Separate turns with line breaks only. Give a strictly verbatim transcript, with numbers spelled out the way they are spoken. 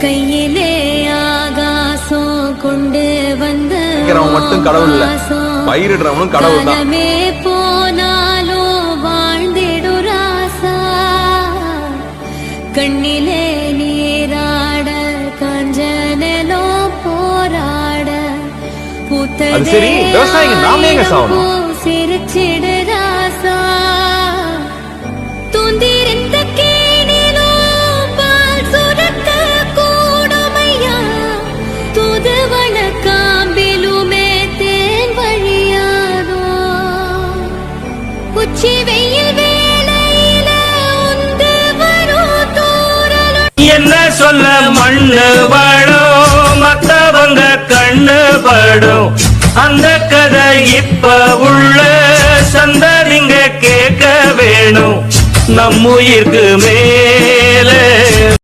கையிலே ஆகாசம் கொண்டு வந்து
மட்டும் கடவுள் இல்ல, பயிரிடுறவனும் கடவுள் தான்.
போனாலும் வாழ்ந்திடு ராசா, கண்ணிலே நீராட கஞ்சனோ போராட பூத்ததே சிரிச்சிடு ராசா, தூந்திருந்த கேணிலும் பால் சுரக்க கூடுமையா, தூதுவன காம்பிலுமே தேன் வழியாதோ, உச்சி வெயில் வேளையில உந்து வரும் தூரல்.
என்ன சொல்ல மண்ணு படும் மத்தவங்க கண்ணு படும், அந்த கதை இப்ப உள்ள சந்ததிங்க கேட்க வேணும். நம்முயிர்க்கு மேலே